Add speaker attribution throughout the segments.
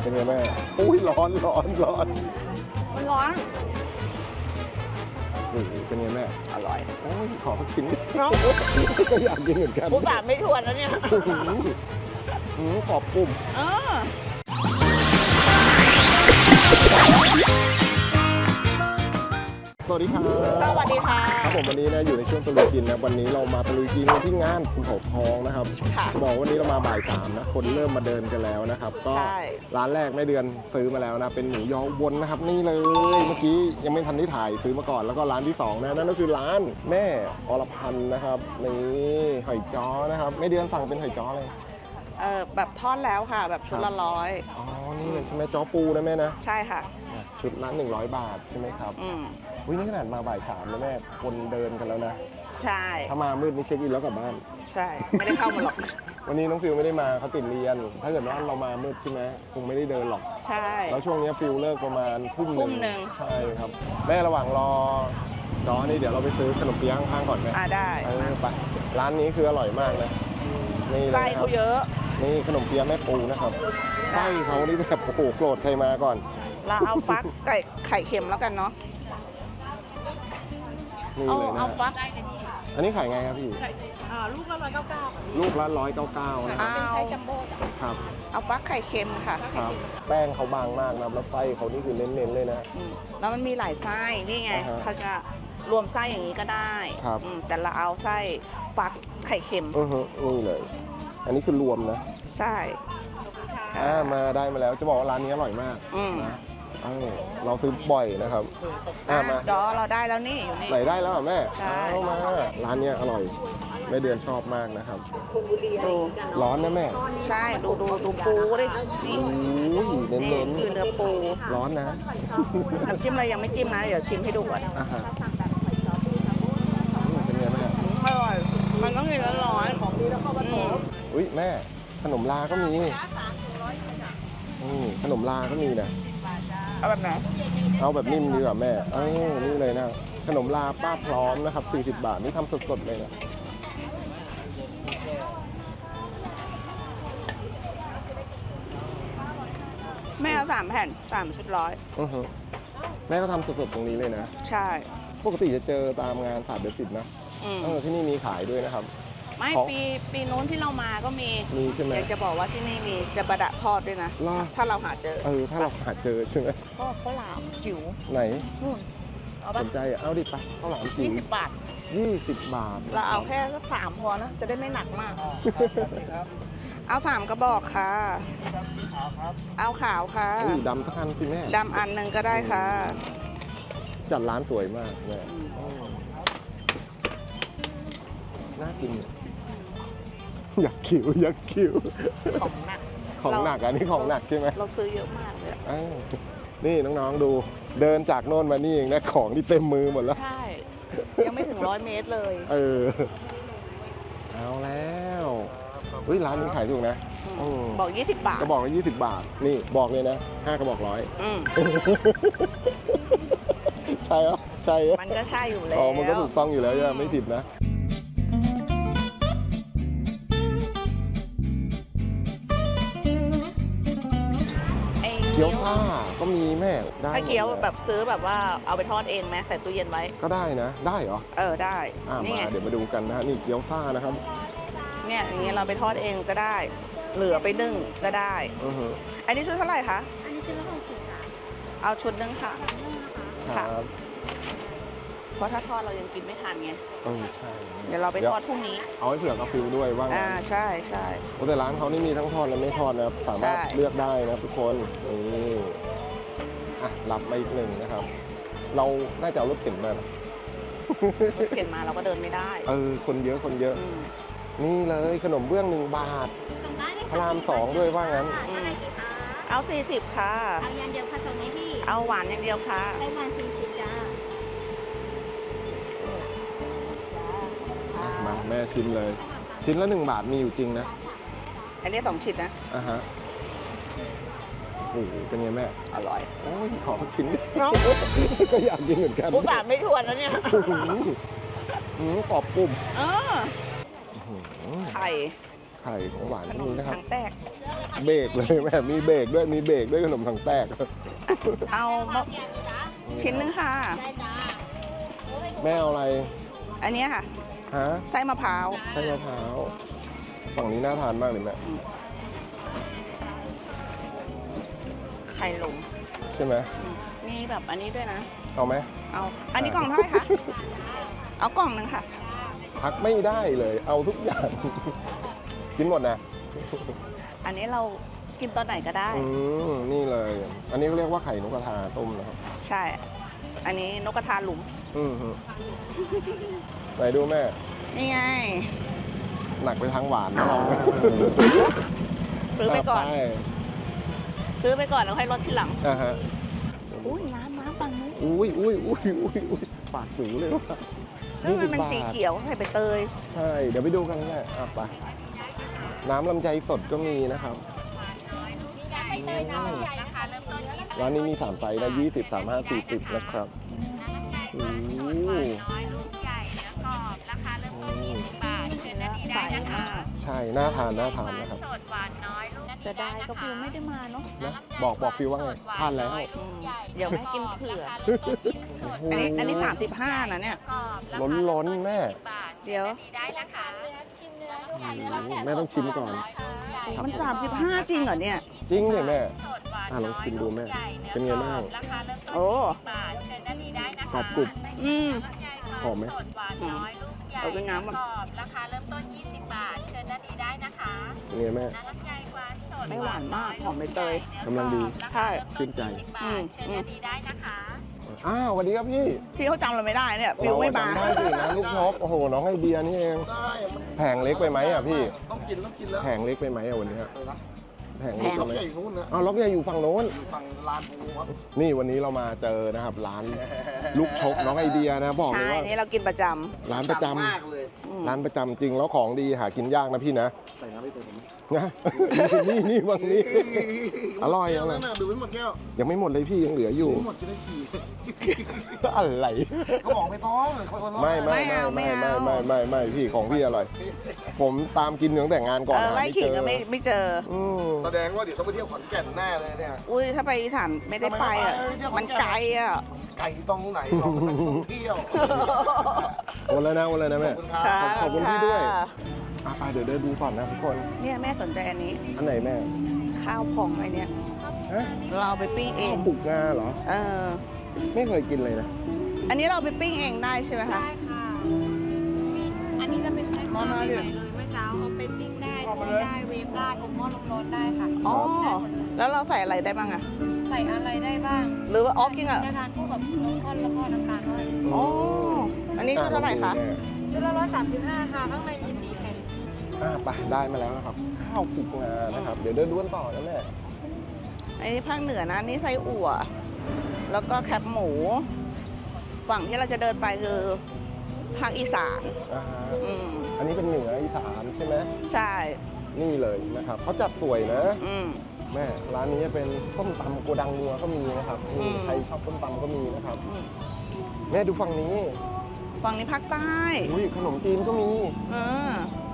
Speaker 1: เป็นไงแม่อุ้ยร้อน
Speaker 2: มันร้อน
Speaker 1: เป็นไงแม่
Speaker 2: อร่อย
Speaker 1: โอ้ยขอสักชิ้นก็อยากกินเหมือนกัน
Speaker 2: ผู้สามไม่ทวนแล้วเนี่ย
Speaker 1: กรอบกลุ่มสวัสดีครับ
Speaker 2: สวัสดีค่ะ
Speaker 1: ครับผมวันนี้นะอยู่ในช่วงตะลุยกินนะวันนี้เรามาตะลุยกินที่งานภูเขาทองนะครับจะบอกวันนี้เรามาบ่าย3นะคนเริ่มมาเดินกันแล้วนะครับก็ร้านแรกแม่เดือนซื้อมาแล้วนะเป็นหมูยอวนนะครับนี่เลยเมื่อกี้ยังไม่ทันได้ถ่ายซื้อมาก่อนแล้วก็ร้านที่2นะนั่นก็คือร้านแม่อรพันธ์นะครับนี่หอยจ้อนะครับแม่เดือนสั่งเป็นหอยจ้อเลย
Speaker 2: แบบทอดแล้วค่ะแบบชุดละ100
Speaker 1: อ๋อนี่เลยใช่ไหมจ้อปูนะแม่นะ
Speaker 2: ใช่ค่ะ
Speaker 1: ชุดละ100 บาทใช่ไหมครับวินี่ขนาดมาบ่าย3แล้วแม่คนเดินกันแล้วนะ
Speaker 2: ใช่
Speaker 1: ถ้ามามืดนี่เช็คอินแล้วกลับบ้าน
Speaker 2: ใช่ไม่ได้เข้ามาหรอก
Speaker 1: วันนี้น้องฟิลไม่ได้มาเขาติดเรียนถ้าเกิดว่าเรามามืดใช่ไหมคงไม่ได้เดินหรอก
Speaker 2: ใช่
Speaker 1: แล้วช่วงนี้ฟิลเลิกประมาณทุ่มหนึ่งใช่ครับแม่ระหว่างรอจอนี่เดี๋ยวเราไปซื้อขนมเปี๊ยะข้างๆก่อนไหม
Speaker 2: ได้
Speaker 1: ไปร้านนี้คืออร่อยมากนะ
Speaker 2: นี่ไส้เขาเยอะ
Speaker 1: นี่ขนมเปี๊ยะแม่ปูนะครับไส้เขานี่แบบโอ้โหโกรธใครมาก่อน
Speaker 2: เราเอาฟักไข่เค็มแล้วกันเนาะ
Speaker 1: นี่เลยนะ
Speaker 2: เอาฟัก
Speaker 1: อันนี้ขายไงครับพี่
Speaker 2: ลูกละ199
Speaker 1: ลูกละ199นะครับ
Speaker 2: เป็นไส้จัมโบ้
Speaker 1: ครับ
Speaker 2: เอาฟักไข่เค็มค่ะ
Speaker 1: ครับแป้งเขาบางมากนะแล้วไส้เขานี่คือเน้นๆเลยนะ
Speaker 2: แล้วมันมีหลายไส้นี่ไงเขาจะรวมไส้อย่างนี้ก็ได้แต่เราเอาไส้ฟักไข่เค็ม
Speaker 1: นี่เลยอันนี้คือรวมนะ
Speaker 2: ใช่
Speaker 1: มาได้มาแล้วจะบอกว่าร้านนี้อร่อยมากนะเราซื้อบ่อยนะครับ
Speaker 2: มาจอเราได้แล้วนี่อยู่นี่
Speaker 1: ไหนได้แล้วแม่เข้ามาร้านนี้อร่อยแม่เดือนชอบมากนะครับ
Speaker 2: ดู
Speaker 1: ร้อนนะแม่
Speaker 2: ใช่ดูปูดินี่
Speaker 1: เน้น
Speaker 2: คือเนื้อปู
Speaker 1: ร้อนนะ
Speaker 2: น้ำจิ้มอะไรยังไม่จิ้มนะเดี๋ยวชิมให้ดูก่อน
Speaker 1: เป็นไงแม่
Speaker 2: อร่อยมันต้องกินร้อนของดีแล้วเข้ามาโถ
Speaker 1: อุ้ยแม่ขนมลาก็มีขนมลาก็มีนะ
Speaker 2: เอาแบบไหน
Speaker 1: เอาแบบนิ่มดีกว่าแม่นี่เลยนะขนมลาป้าพร้อมนะครับ40 บาทนี่ทำสดๆเลยนะ
Speaker 2: แม่เอา3 แผ่น3 ชุด
Speaker 1: แม่ก็ทำสดๆตรงนี้เลยนะ
Speaker 2: ใช่
Speaker 1: ปกติจะเจอตามงานศาสตร์เดือน10นะที่นี่มีขายด้วยนะครับ
Speaker 2: ไม่ปีโน้นที่เรามาก็มี
Speaker 1: ใช่ไหม
Speaker 2: อยากจะบอกว่าที่นี่มีจะประดะทอดด้วยนะถ้าเราหาเจอ
Speaker 1: ถ้าเราหาเจอใช่ไหม
Speaker 2: ข้าวหลามจิ๋ว
Speaker 1: ไหน
Speaker 2: เอา
Speaker 1: สนใจเอาดิปะข้าวหลามจิ๋ว
Speaker 2: 20 บาท
Speaker 1: 20 บาท
Speaker 2: เราเอาแค่สัก3พอนะจะได้ไม่หนักมากเอา3 กระบอกค่ะเอาขาวค่ะ
Speaker 1: ดำสักอันสิแม่
Speaker 2: ดำอันหนึ่งก็ได้ค่ะ
Speaker 1: จัดร้านสวยมากแม่น่ากินอยากคิวของหนักอันนี้ของหนักใช่ไหม
Speaker 2: เราซื้อเยอะมากเลย
Speaker 1: นี่น้องๆดูเดินจากโน่นมานี่เองนะของที่เต็มมือหมดแล้ว
Speaker 2: ใช่ยังไม่ถึง100 เมตรเลย
Speaker 1: เอาแล้วร้านนี้ขายถูกนะ
Speaker 2: บอก20 บาท
Speaker 1: กระบอกละ20 บาทนี่บอกเลยนะ5 กระบอก100ใช่เหรอใช่
Speaker 2: มันก็ใช่อยู่แล้ว
Speaker 1: มันก็ถูกต้องอยู่แล้วไม่ผิดนะเกี๊ยวซ่าก็มีแม่ได้
Speaker 2: ถ้าเกี๊ยวแบบซื้อแบบว่าเอาไปทอดเองไหมใส่ตู้เย็นไว้
Speaker 1: ก็ได้นะได้เหรอ
Speaker 2: ได้
Speaker 1: มาเดี๋ยวมาดูกันนะนี่เกี๊ยวซ่านะครับ
Speaker 2: เนี่ยอย่างเงี้ยเราไปทอดเองก็ได้เหลือไปนึ่งก็ได้อันนี้ชุดเท่าไหร่คะ
Speaker 3: อันนี้ชุดละ60ค่ะ
Speaker 2: เอาชุดนึงค่ะ
Speaker 1: ครับ
Speaker 2: เพราะถ้าทอดเรายังกินไม่ทันไง
Speaker 1: ใช่
Speaker 2: เดี๋ยวเราไปทอดพรุ่งนี้
Speaker 1: เอาให้เผื่อกาฟิวด้วยว่างั้น
Speaker 2: ใช่
Speaker 1: แต่ร้านเขานี่มีทั้งทอดและไม่ทอดนะครับสามารถเลือกได้นะทุกคนนี่รับมาอีก1นะครับเราน่าจะเอารถเข็นมาร
Speaker 2: ถเข็นมาเราก็เดินไม่ได้
Speaker 1: คนเยอะนี่เลยขนมเบื้อง1 บาทพระราม2ด้วยว่างั้น
Speaker 2: เอา40ค่ะ
Speaker 3: เอาอย่างเดียวค่ะส่งให้พี่
Speaker 2: เอาหวานอย่างเดียวค่ะ
Speaker 3: ไต้หวัน40จ้า
Speaker 1: มาแม่ชิมเลยชิ้นละ1 บาทมีอยู่จริงนะ
Speaker 2: อันนี้2 ชิ้นนะ
Speaker 1: โอ้โหเป็นไงแม่
Speaker 2: อร่อย
Speaker 1: ขอสักชิ้นก็อยากกินเหมือนกัน
Speaker 2: ผู้สามไม่ทวนแล้วเนี่ย
Speaker 1: กรอบกลุ่ม
Speaker 2: ไข่
Speaker 1: ไข่ของหวาน
Speaker 2: ข
Speaker 1: ก็
Speaker 2: น
Speaker 1: มี
Speaker 2: ม
Speaker 1: นะครับ
Speaker 2: ถังแตก
Speaker 1: เบรกเลยแม่มีเบรกด้วยมีเบรกด้วยขนมถังแตก
Speaker 2: เอามาชิ้นนึงค่ะ
Speaker 3: ได้จ้า
Speaker 1: แม่เอาอะไร
Speaker 2: อันเนี้ยค่ะ
Speaker 1: ฮะ
Speaker 2: ไส้มะพร้าว
Speaker 1: ไส้มะพร้าวฝั่งนี้น่าทานมากเลยแม่
Speaker 2: ไข่หลง
Speaker 1: ใช่ไหม
Speaker 2: มีแบบอันนี้ด้วยนะ
Speaker 1: เอาไหม
Speaker 2: เอา อันนี้กล่องเท่าไหร่คะ เอากล่องหนึ่งค่ะ
Speaker 1: พักไม่ได้เลยเอาทุกอย่าง กินหมดนะ
Speaker 2: อันนี้เรากินตอนไหนก็ได้
Speaker 1: นี่เลย อันนี้เรียกว่าไข่นกกระทาต้มนะครับ
Speaker 2: ใช่ อันนี้นกกระทาหลุม
Speaker 1: ฮึไหนดูแม่
Speaker 2: นี่ไง
Speaker 1: หนักไปทางหวานนะเรา
Speaker 2: ซื้อไปก่อน
Speaker 1: ไป
Speaker 2: ซื้อไปก่อนแล้วค่อยลดทีหลัง
Speaker 1: อ่าฮะ
Speaker 2: อุ้ยน้ำฝั่งนู้น
Speaker 1: อุ้ยปากหนูเลยว่ะ
Speaker 2: แล้วมันเป็น
Speaker 1: 20
Speaker 2: สี
Speaker 1: บาท
Speaker 2: เขียวใส่ใบเตย
Speaker 1: ใช่ เดี๋ยวไปดูกันแม่ไปน้ำลำไยสดก็มีนะครับร้านนี้มี3ไซส์นะ20 35 40นะครับโอ้โห
Speaker 2: ใส่มาก
Speaker 1: ใช่ น่าทานนะครับ
Speaker 2: เสียดายก็ฟิวไม่ได้มาเนาะ
Speaker 1: นะบอกฟิวว่าไงทานแล้ว
Speaker 2: เดี๋ยวแม่กินเผื่อ
Speaker 1: โอ้โห
Speaker 2: อันนี้35นะเนี่ย
Speaker 1: ล้นแม่
Speaker 2: เดี๋ยว
Speaker 1: แม่ต้องชิมก่อน
Speaker 2: มัน35จริงเหรอเนี่ย
Speaker 1: จริงเลยแม่ลองชิมดูแม่ เป็นไงบ้าง
Speaker 2: โอ้
Speaker 1: กรอบกรุบ
Speaker 2: อืม
Speaker 1: หอมไหม
Speaker 2: เอาเป็นน้ำก่อน
Speaker 4: ราคาเริ่มต้น 20 บาท เชิญด้านนี้ได้นะคะ
Speaker 1: เป็นไงแม่
Speaker 4: น้ำลำไยหวานสด
Speaker 2: ไม่หวานมากหอมใบเตย
Speaker 1: กำลังดี
Speaker 2: ใช่
Speaker 1: ชื่นใจ
Speaker 2: อืม
Speaker 4: เชิญด้านนี้ได้นะคะ
Speaker 1: อ้าวสวัสดีครับพี่
Speaker 2: พี่เขาจำเราไม่ได้เนี่ย ฟิวไม่มา
Speaker 1: เรจำได้สินะลูกชกโอ้โห น้องไอเดียนี่เอง แผงเล็กไปไหมอ่ะพี่
Speaker 5: ต้องกินแล้ว
Speaker 1: แผงเล็กไปไหมอ่ะวันนี้แผงเล็ก
Speaker 5: ล็
Speaker 1: ไป
Speaker 5: อก
Speaker 1: ไหม
Speaker 5: ใหญ่นู้นนะ
Speaker 1: อ้าวล็อกใหญ่อยู่ฝั่งโน้น
Speaker 5: อยู่ฝั่งลานภูครับ
Speaker 1: นี่วันนี้เรามาเจอนะครับ ร้านลูกชกน้องไอเดียนะบอกเล
Speaker 2: ใช่
Speaker 1: ยว่า
Speaker 2: นี่เรากินประจ
Speaker 1: ร้านประจำ
Speaker 5: มากเลย
Speaker 2: ำอืม
Speaker 1: ร้านประจำจริงแล้วของดีหากินยากนะพี่นะ
Speaker 5: ใส่น้ำไปเติมไหม
Speaker 1: นะ นี่บางนี้ อร่อยอะไร
Speaker 5: นั่นน่ะดูไม่หมดแก้ว
Speaker 1: ยังไม่หมดเลยพี่ยังเหลืออยู่
Speaker 5: ไม่หมดจะได้สี่
Speaker 1: อะไร
Speaker 5: เขาบอกไม่ต้องคนละ
Speaker 1: ไม่พี่ของพี่อร่อย ผมตามกินตั้งแต่งานก่อน
Speaker 2: ไล่ขิงก็ไม่เจอ
Speaker 1: อืม
Speaker 5: แสดงว่าเดี๋ยวต้องไปเที่ยวขอนแก่นแน่เลยเนี่ย
Speaker 2: อุ้ยถ้าไปอีสานไม่ได้ไปอ่ะ มันไกลอ่ะ
Speaker 5: ไก่ตรงไหนเราไปท่องเที่ยว
Speaker 1: โอนแล้วนะแม่ ขอบคุณพี่ด้วย
Speaker 2: ค่ะ
Speaker 1: ไปเดี๋ยวเดินดูก่อนนะทุกคน
Speaker 2: เนี่ยแม่สนใจอันนี้
Speaker 1: อันไหนแม่
Speaker 2: ข้าวพองไอเนี่ย
Speaker 1: ฮะ
Speaker 2: เราไปปิ้งเอ
Speaker 1: ข้าว
Speaker 2: ง
Speaker 1: ปลูกงาเหรอ
Speaker 2: เออ
Speaker 1: ไม่เคยกินเลยนะ
Speaker 2: อันนี้เราไปปิ้งเองได้ใช่ไหมคะ
Speaker 4: ได้ค่ะอันนี้จะเป็นไข่ปลาใหม่ๆเลยเมื่อเช้าเอาไปปิ้งได้ทอดได้ เวฟได้อบหม้อลมร้อนได้ค่ะ
Speaker 2: อ๋อ
Speaker 4: ได้หมดเลย
Speaker 2: แล้วเราใส่อะไรได้บ้างอะ
Speaker 4: ใส่อะไรได้บ้าง
Speaker 2: หรือว่าออฟกิ้งอะ
Speaker 4: จะทานคู่กับนมข้นแล้วก็น้ำตาลด้วย
Speaker 2: อ๋อ อันนี้ชุดเท่าไหร่คะ
Speaker 4: ชุดละ135ค่ะ ข้างในมี4แผ่น
Speaker 1: ไปได้มาแล้วนะครับ ข้าวปลูกงานะครับ เดี๋ยวเดินดูกันต่อนะแม่
Speaker 2: อันนี้ภาคเหนือนะนี่ไส้อั่ว แล้วก็แคบหมู ฝั่งที่เราจะเดินไปคือภาคอีสาน
Speaker 1: อ่าฮะ
Speaker 2: อืม
Speaker 1: อันนี้เป็นเหนืออีสานใช่ไหม
Speaker 2: ใช่
Speaker 1: นี่เลยนะครับเขาจัดสวยนะ
Speaker 2: อืม
Speaker 1: แม่ร้านนี้เป็นส้มตำโกดังนัวก็มีนะครับนี่
Speaker 2: อืม
Speaker 1: ใครชอบส้มตำก็มีนะครับ
Speaker 2: อืม
Speaker 1: แม่ดูฝั่งนี้
Speaker 2: ฝั่งนี้ภาคใต้
Speaker 1: อุ้ยขนมจีนก็มี
Speaker 2: เออ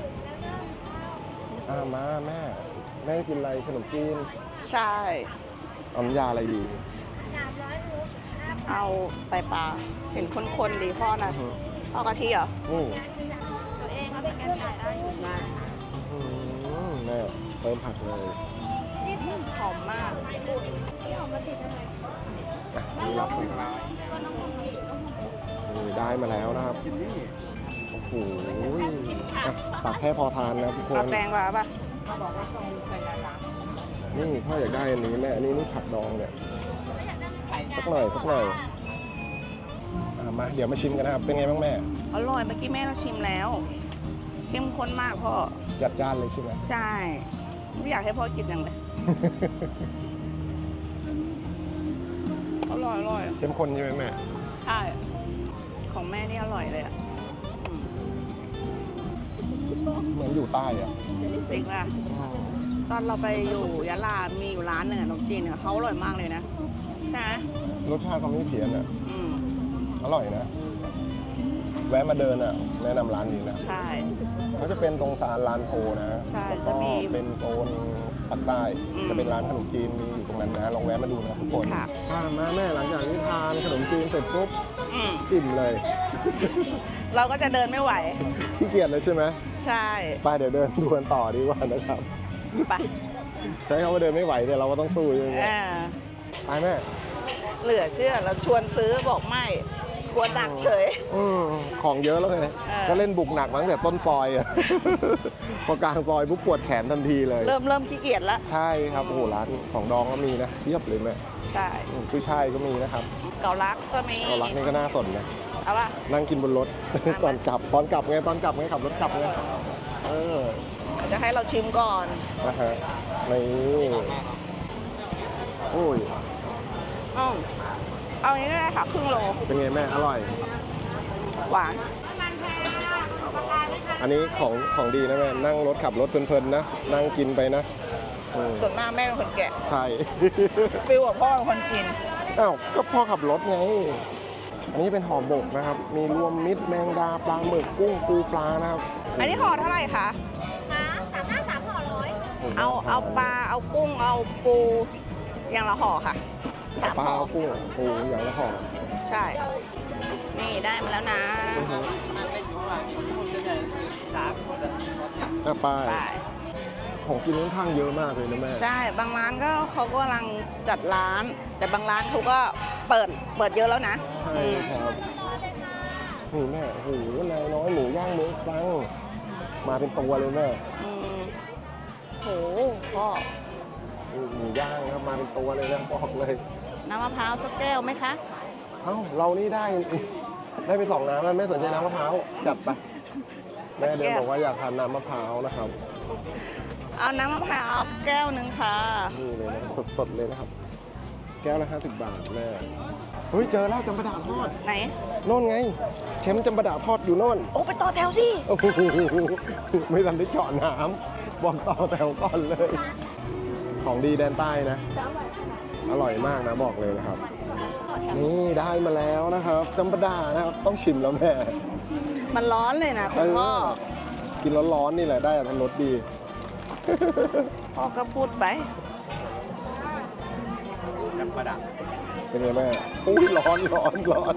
Speaker 1: มาแม่กินอะไรขนมจีน
Speaker 2: ใช่
Speaker 1: เอาน้ำยาอะไรดี
Speaker 2: เอาไตปลา เห็นคนๆดีพ่อนะ
Speaker 1: อื้อ
Speaker 2: เอากะทิเหรอ
Speaker 1: หือ
Speaker 4: ตัวเองก็เป็นการขายได้อยู่บ้าน
Speaker 1: อื้อแม่เติมผักเลย
Speaker 2: หอมมาก
Speaker 1: รับนี่ได้มาแล้วนะครับโอ้โหตักแค่พอทานนะทุกค
Speaker 2: เอา
Speaker 1: น
Speaker 2: แตงกวาป่ะ
Speaker 1: นี่พ่ออยากได้อันนี้แม่อันนี้นี่ผักดองเนี่ยสักหน่อยมาเดี๋ยวมาชิมกันนะครับ เป็นไงบ้างแม่
Speaker 2: อร่อยเมื่อกี้แม่เราชิมแล้ว เข้มข้นมากพ่อ
Speaker 1: จัดจ้านเลยใช่ไหม
Speaker 2: ใช่ ไม่อยากให้พ่อกินอย่างเลย อร่อย
Speaker 1: เข้มข้นใช่ไหมแม่
Speaker 2: ใช่ ของแม่นี่อร่อยเลยอ่ะอืม
Speaker 1: เหมือนอยู่ใต้อะ
Speaker 2: จริงป่ะตอนเราไปอยู่ยะลา มีอยู่ร้านหนึ่งอะขนมจีนอะเขาอร่อยมากเลยนะ ใช่ไหม
Speaker 1: รสชาติเขาไม่เพี้ยนอะ
Speaker 2: อืม
Speaker 1: อร่อยนะแวะมาเดินอ่ะแนะนำร้านนี้นะ
Speaker 2: ใช่
Speaker 1: ก็จะเป็นตรงซานลานโพนะ
Speaker 2: ใช่
Speaker 1: แล้วก็
Speaker 2: จะมี
Speaker 1: เป็นโซนภาคใต้
Speaker 2: อืม
Speaker 1: จะเป็นร้านขนมจีนมีอยู่ตรงนั้นนะลองแวะมาดูนะทุกคน
Speaker 2: ค่ะ
Speaker 1: มาแม่หลังจากที่ทานขนมจีนเสร็จปุ๊บ
Speaker 2: อืม
Speaker 1: อิ่มเลย
Speaker 2: เราก็จะเดินไม่ไหว
Speaker 1: ขี้เกียจเลยใช่ไหม
Speaker 2: ใช่
Speaker 1: ไปเดี๋ยวเดินดูกันต่อดีกว่านะครับ
Speaker 2: ไป
Speaker 1: ใช้คำว่าเดินไม่ไหวเนี่ยเราก็ต้องสู้ใช่ไหม
Speaker 2: อ่า
Speaker 1: ไปแม่
Speaker 2: เหลือเชื่อเราชวนซื้อบอกไม่กลัวหนักเฉย
Speaker 1: ของเยอะแล้วไง
Speaker 2: เออ
Speaker 1: ก็เล่นบุกหนักมาตั้งแต่ต้นซอยอะ พอกลางซอยปุ๊บปวดแขนทันทีเลย
Speaker 2: เริ่มขี้เกียจละ
Speaker 1: ใช่ครับโอ้โหร้านของดองก็มีนะเทียบเลยแม่
Speaker 2: ใช่
Speaker 1: กุ้ยช่ายก็มีนะครับ
Speaker 2: เกาลักก็มี
Speaker 1: เรารักนี่ก็น่าสนนะ
Speaker 2: เอาป่ะ
Speaker 1: นั่งกินบนรถ ตอนกลับไงตอนกลับไงขับรถกลับไงเออ
Speaker 2: จะให้เราชิมก่อน
Speaker 1: นะฮะนี่โอ้ย
Speaker 2: อ้าวเอาอย่างนี้ก็ได้ค่ะครึ่งโล
Speaker 1: เป็นไงแม่อร่อย
Speaker 2: หวาน
Speaker 1: อันนี้ของดีนะแม่นั่งรถขับรถเพลินๆนะนั่งกินไปนะอืม
Speaker 2: ส่วนมากแม่เป็นคนแกะ
Speaker 1: ใช่
Speaker 2: ฟิลกับพ่อเป็นคนกิน
Speaker 1: อ้าวก็พ่อขับรถไง อันนี้เป็นห่อหมกนะครับ มีรวมมิตรแมงดาปลาหมึกกุ้งปูปลานะครับ
Speaker 2: อันนี้ห่อเท่าไหร่คะ
Speaker 3: 3 ห่อร้อย
Speaker 2: เอาปลาเอากุ้งเอาปูอย่างละห่อค่ะ
Speaker 1: เอาปลา
Speaker 2: ห่อ
Speaker 1: เอากุ้งปูอย่างละห่อ
Speaker 2: ใช่ นี่ได้มาแล้วนะ
Speaker 1: ไป
Speaker 2: ไป
Speaker 1: ของกินค่อนข้างเยอะมากเลยนะแม่
Speaker 2: ใช่บางร้านก็เขากำลังจัดร้าน แต่บางร้านเขาก็เปิดเยอะแล้วนะ
Speaker 1: ใช่ครับนี่แม่โอ้โหนายน้อยหมูย่างเมืองตรังมาเป็นตัวเลยแม่
Speaker 2: อืมโหพ่อ
Speaker 1: หมูย่างครับมาเป็นตัวเลยนะบอกเลย
Speaker 2: น้ำมะพร้าวสักแก้วไหมคะ
Speaker 1: เอ้าเรานี่ได้ไปสองน้ำแล้วแม่สนใจน้ำมะพร้าวจัดไปแม่เดินบอกว่าอยากทานน้ำมะพร้าวนะครับ
Speaker 2: เอาน้ำมะพร้าวแก้วหนึ่งค่ะ
Speaker 1: นี่เลยนะสดๆเลยนะครับ แก้วละ50 บาทแม่เฮ้ยเจอแล้วจำปาดาทอด
Speaker 2: ไหน
Speaker 1: โน่นไงแชมป์จำปาดาทอดอยู่โน่น
Speaker 2: โอ้ไปต่อแถวสิ
Speaker 1: โอ้โหไม่ทันได้เจาะน้ำบอกต่อแถวก่อนเลย ของดีแดนใต้นะ อร่อยมากนะบอกเลยนะครับ นี่ได้มาแล้วนะครับจำปาดานะครับต้องชิมแล้วแม่
Speaker 2: มันร้อนเลยนะคุณพ่อ
Speaker 1: กินร้อนๆนี่แหละได้อรรถรสดี
Speaker 2: พ่อก็พูดไป
Speaker 1: เป็นไงแม่อุ้ยร้อน
Speaker 2: มันร้อน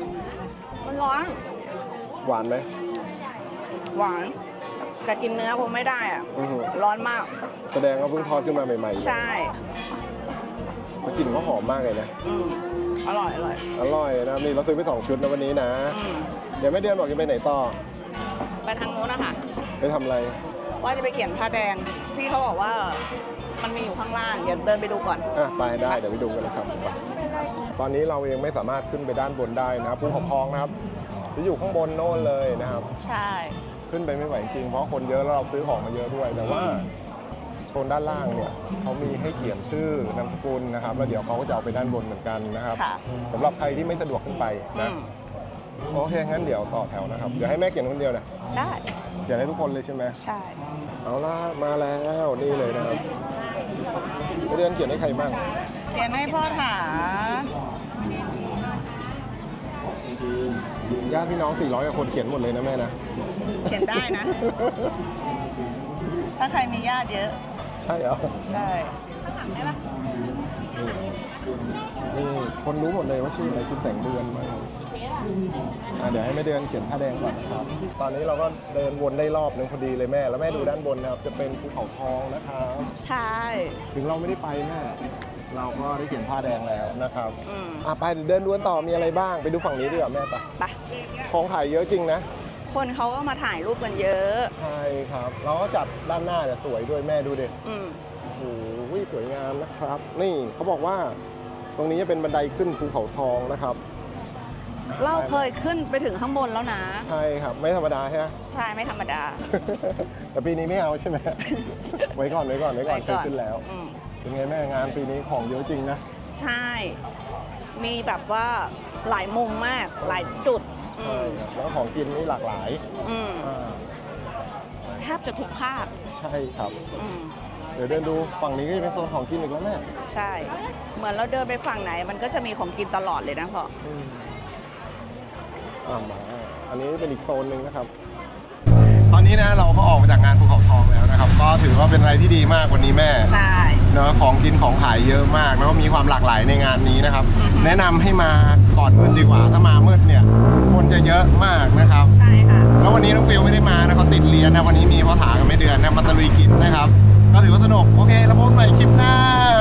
Speaker 1: หวานไหม
Speaker 2: หวานจะกินเนื้อคงไม่ได้อะ
Speaker 1: อื้อหือ
Speaker 2: ร้อนมาก
Speaker 1: แสดงว่าเพิ่งทอดขึ้นมาใหม่ๆ
Speaker 2: ใช่
Speaker 1: แล้วกลิ่นก็หอมมากเลยนะ
Speaker 2: อืมอร่อย
Speaker 1: อร่อยนะนี่เราซื้อไป2 ชุดนะวันนี้นะ
Speaker 2: อืม
Speaker 1: เดี๋ยวแม่เดือนบอกจะไปไหนต่อ
Speaker 2: ไปทางโน้นนะคะ
Speaker 1: ไปทำอะไร
Speaker 2: ว่าจะไปเขียนผ้าแดงที่เขาบอกว่ามันมีอยู่ข้างล่างเดี๋ยวเดินไปดูก่อน
Speaker 1: อ่ะไปได้เดี๋ยวไปดูกันนะครับ ตอนนี้เราเองไม่สามารถขึ้นไปด้านบนได้นะครับภูเขาทองนะครับจะอยู่ข้างบนโน่นเลยนะครับ
Speaker 2: ใช่
Speaker 1: ขึ้นไปไม่ไหวจริงเพราะคนเยอะแล้วเราซื้อของมาเยอะด้วย แต่ว่าโซนด้านล่างเนี่ยเขามีให้เขียนชื่อนามสกุลนะครับแล้วเดี๋ยวเขาก็จะเอาไปด้านบนเหมือนกันนะครับ
Speaker 2: ค่ะ
Speaker 1: สำหรับใครที่ไม่สะดวกขึ้นไป
Speaker 2: อื
Speaker 1: นะ
Speaker 2: ม
Speaker 1: โอเคงั้นเดี๋ยวต่อแถวนะครับเดี๋ยวให้แม่เขียนคนเดียวนะ
Speaker 2: ได้
Speaker 1: เขียนให้ทุกคนเลยใช่ไหม
Speaker 2: ใช่
Speaker 1: เอาล่ะมาแล้วนี่เลยนะครับไม่เดือนเขียนให้ใครบ้าง
Speaker 2: เขียนให้พ่อถา
Speaker 1: ญาติพี่น้อง400กว่าคนเขียนหมดเลยนะแม่นะ
Speaker 2: เขียนได้นะ ถ้าใครมีญาติเยอะ
Speaker 1: ใช่เหรอ
Speaker 2: ใช่
Speaker 1: นี่คนรู้หมดเลยว่าชื่ออะไรคุณแสงเดือนมาเดี๋ยวให้แม่เดือนเขียนผ้าแดงก่อนนะครับ ตอนนี้เราก็เดินวนได้รอบนึงพอดีเลยแม่ แล้วแม่ดูด้านบนนะครับ จะเป็นภูเขาทองนะครับ
Speaker 2: ใช่
Speaker 1: ถึงเราไม่ได้ไปแม่ เราก็ได้เขียนผ้าแดงแล้วนะครับ
Speaker 2: อืม
Speaker 1: ไปเดี๋ยวเดินดูกันต่อมีอะไรบ้าง ไปดูฝั่งนี้ดีกว่าแม่ไป
Speaker 2: ไป
Speaker 1: ของขายเยอะจริงนะ
Speaker 2: คนเขาก็มาถ่ายรูปกันเยอะ
Speaker 1: ใช่ครับ เราก็จัดด้านหน้าจะสวยด้วยแม่ดูดิ
Speaker 2: อืม
Speaker 1: โอ้โหสวยงามนะครับ นี่เขาบอกว่าตรงนี้จะเป็นบันไดขึ้นภูเขาทองนะครับ
Speaker 2: เราเคยขึ้นไปถึงข้างบนแล้วนะ
Speaker 1: ใช่ครับ ไม่ธรรมดาใช่ไหม
Speaker 2: ใช่ไม่ธรรมดา
Speaker 1: แต่ปีนี้ไม่เอาใช่ไหม ไว้ก่อนเคยขึ้นแล้ว
Speaker 2: อืม
Speaker 1: เป็นไงแม่งานปีนี้ของเยอะจริงนะ
Speaker 2: ใช่ มีแบบว่าหลายมุมมาก หลายจุด อื
Speaker 1: ใช่
Speaker 2: ม
Speaker 1: ครับแล้วของกินนี่หลากหลาย
Speaker 2: อืม
Speaker 1: อ่า
Speaker 2: แทบจะทุกภาค
Speaker 1: ใช่ครับ
Speaker 2: อืม
Speaker 1: เดี๋ยวเดินดูฝั่งนี้ก็จะเป็นโซนของกินอีกแล้วแม่
Speaker 2: ใช่ เหมือนเราเดินไปฝั่งไหน มันก็จะมีของกินตลอดเลยนะพ่อ
Speaker 1: มาอันนี้เป็นอีกโซนหนึ่งนะครับ ตอนนี้นะเราก็ออกมาจากงานภูเขาทองแล้วนะครับ ก็ถือว่าเป็นอะไรที่ดีมากวันนี้แม่
Speaker 2: ใช่
Speaker 1: เนาะของกินของขายเยอะมากแล้วก็มีความหลากหลายในงานนี้นะครับ แนะนำให้มาก่อนมืดดีกว่า ถ้ามามืดเนี่ยคนจะเยอะมากนะครับ
Speaker 2: ใช่ค่ะ
Speaker 1: แล้ววันนี้น้องฟิลไม่ได้มานะเขาติดเรียนนะวันนี้มีพ่อถากับแม่เดือนนะมาตะลุยกินนะครับ ก็ถือว่าสนุกโอเคแล้วพบกันใหม่คลิปหน้า